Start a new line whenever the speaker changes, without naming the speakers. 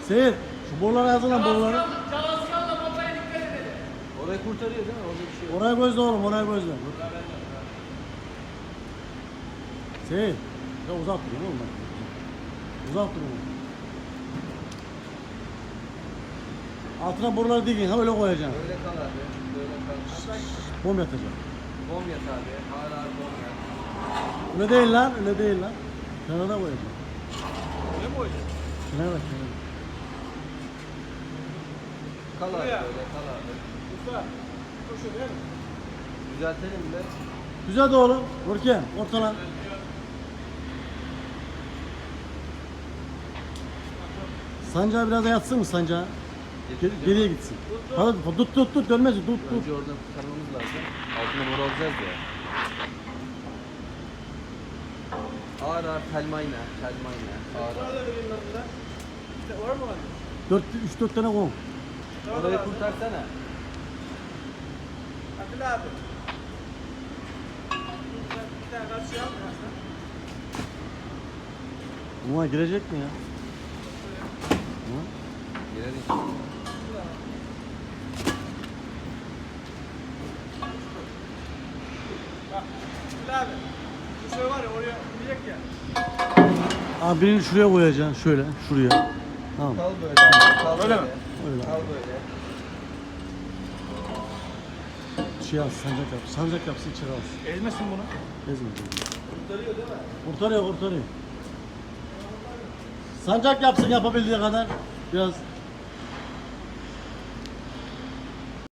Seyit, şu borulara yazılan boruları.
Çalışkanla babaya dikkat edelim.
Orayı kurtarıyor değil mi? Orada bir şey yok.
Oraya gözle oğlum, oraya gözle. Seyit, ya uzak durun oğlum bak. Uzak durun oğlum. Altına boruları dikin, ha öyle koyacaksın.
Böyle kal abi. Böyle kal.
Bom yatacak.
Bom yat abi. Ağır ağır bom yat.
Öyle değil lan, öyle değil lan. Kenara koyacaksın.
Ne mi hocam?
Kenara, kenara.
Kal abi
Buraya.
böyle kal abi.
Usta. Koşuyor değil mi?
Düzeltelim de.
Güzel de oğlum. Görkem, ortalan. Sancağı biraz da yatsın mı sancağı? Geriye gitsin. Hadi tut dönmez tut.
Önce oradan kurtarmamız lazım. Altına mor alacağız ya. Ağır ağır telmayla. Ağır ağır.
Nerede vereyim ben burada? İşte var mı lan?
3-4 tane koy.
Orayı kurtarsana.
Atilla abi. Bir tane karşıya al biraz da.
Buna girecek mi ya? Hı?
Girer inşallah.
Bak. Atilla abi. Şu şey var ya oraya gidecek ya.
Abi birini şuraya koyacaksın. Şöyle, şuraya. Tamam.
Kal böyle. Kal
Öyle
böyle.
mi?
Öyle.
Kal böyle.
Şey al, sancak yap. Sancak yapsın, içeri alsın.
Ezmesin bunu.
Ezme.
Kurtarıyor değil mi?
Kurtarıyor. Sancak yapsın yapabildiği kadar. Biraz